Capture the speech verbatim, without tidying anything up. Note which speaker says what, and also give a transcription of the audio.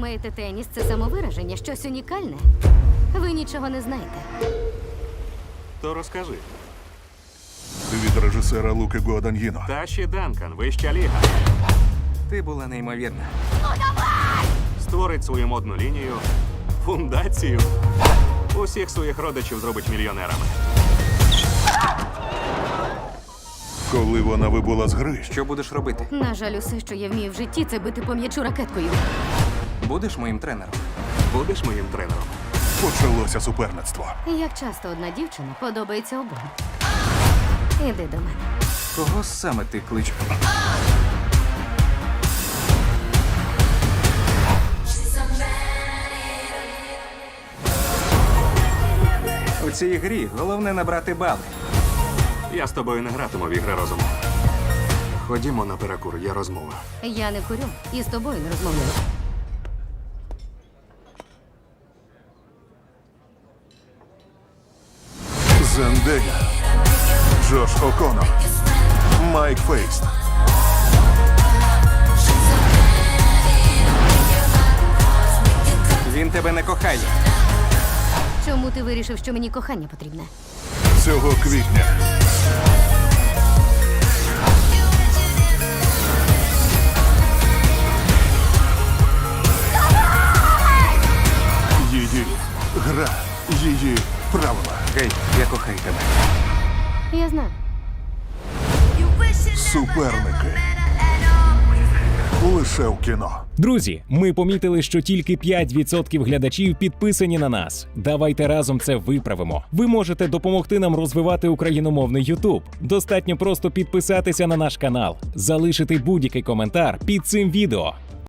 Speaker 1: Думаєте, теніс це самовираження, щось унікальне? Ви нічого не знаєте.
Speaker 2: То розкажи.
Speaker 3: Від режисера Луки Гуаданьїно.
Speaker 2: Таші Данкан, вища ліга.
Speaker 4: Ти була неймовірна.
Speaker 2: Створить свою модну лінію, фундацію. Усіх своїх родичів зробить мільйонерами.
Speaker 3: Коли вона вибула з гри,
Speaker 4: Що будеш робити?
Speaker 1: На жаль, усе, що я вмію в житті, це бити по м'ячу ракеткою.
Speaker 4: Будеш моїм тренером?
Speaker 2: Будеш моїм тренером.
Speaker 3: почалося суперництво.
Speaker 1: Як часто одна дівчина подобається обом. Іди до мене.
Speaker 4: Кого саме ти кличеш? У цій грі головне набрати бали.
Speaker 2: Я з тобою не гратиму в ігри розуму. Ходімо на перекур, є розмова.
Speaker 1: Я не курю і з тобою не розмовляю.
Speaker 3: Зендея, Джош О'Коннор, Майк Фейст.
Speaker 4: Він тебе не кохає.
Speaker 1: Чому ти вирішив, що мені кохання потрібне?
Speaker 3: Цього квітня. Її гра, її правила.
Speaker 4: Гей, я кохаю тебе.
Speaker 1: Я знаю.
Speaker 3: Суперники. Лише в кіно.
Speaker 5: Друзі, ми помітили, що тільки п'ять відсотків глядачів підписані на нас. Давайте разом це виправимо. Ви можете допомогти нам розвивати україномовний Ютуб. Достатньо просто підписатися на наш канал, залишити будь-який коментар під цим відео.